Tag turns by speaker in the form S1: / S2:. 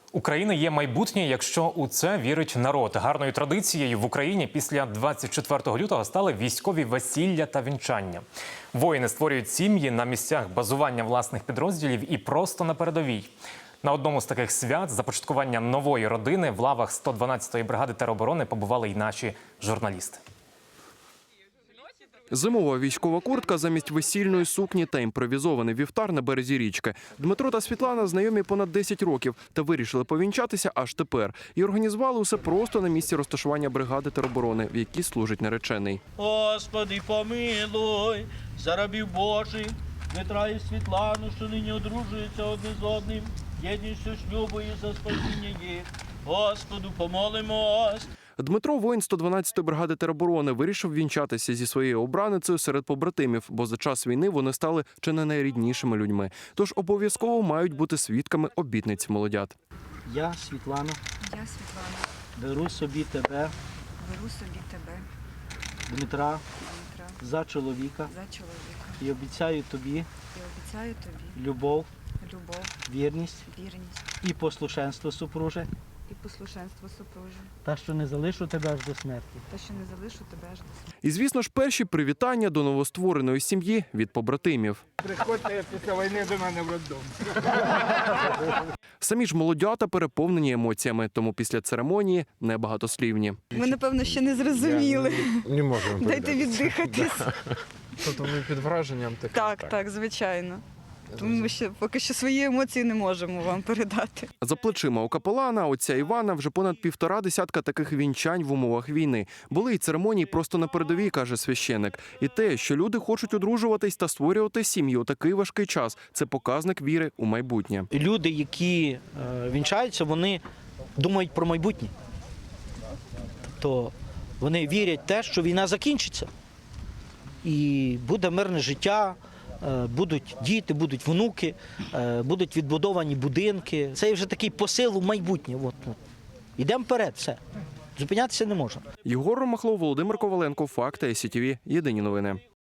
S1: України є майбутнє, якщо у це вірить народ. Гарною традицією в Україні після 24 лютого стали військові весілля та вінчання. Воїни створюють сім'ї на місцях базування власних підрозділів і просто на передовій. На одному з таких свят започаткування нової родини в лавах 112-ї бригади тероборони побували й наші журналісти.
S2: Зимова військова куртка замість весільної сукні та імпровізований вівтар на березі річки. Дмитро та Світлана знайомі понад 10 років та вирішили повінчатися аж тепер. І організували усе просто на місці розташування бригади тероборони, в якій служить наречений.
S3: Господи, помилуй, за рабів Божих, Дмитра і Світлану, що нині одружуються одне з одним, єдністю шлюбу і за спасіння їх. Господу, помолимось.
S2: Дмитро, воїн 112-ї бригади тероборони, вирішив вінчатися зі своєю обраницею серед побратимів, бо за час війни вони стали чи не найріднішими людьми. Тож обов'язково мають бути свідками обітниць молодят.
S3: Я, Світлана, беру собі тебе, Дмитра, за чоловіка і обіцяю тобі любов, вірність і послушенство супруже, та що не залишу тебе аж до смерті.
S2: І, звісно ж, перші привітання до новоствореної сім'ї від побратимів.
S4: Приходьте після війни до мене в роддом.
S2: Самі ж молодята переповнені емоціями, тому після церемонії небагатослівні.
S5: Ми, напевно, ще не зрозуміли.
S4: Не можемо.
S5: Дайте віддихатись.
S4: Тобто ви під враженням таким?
S5: Так, звичайно. Тому ми ще поки що свої емоції не можемо вам передати.
S2: За плечима у капелана, отця Івана, вже понад 1,5 десятка таких вінчань в умовах війни. Були й церемонії просто на передовій, каже священик. І те, що люди хочуть одружуватись та створювати сім'ю у такий важкий час – це показник віри у майбутнє.
S3: Люди, які вінчаються, вони думають про майбутнє. Тобто вони вірять в те, що війна закінчиться. І буде мирне життя, будуть діти, будуть внуки, будуть відбудовані будинки. Це вже такий посил у майбутнє. Йдемо вперед, все. Зупинятися не можна.
S2: Єгор Ромахлов, Володимир Коваленко, Факти, СІТВ, Єдині новини.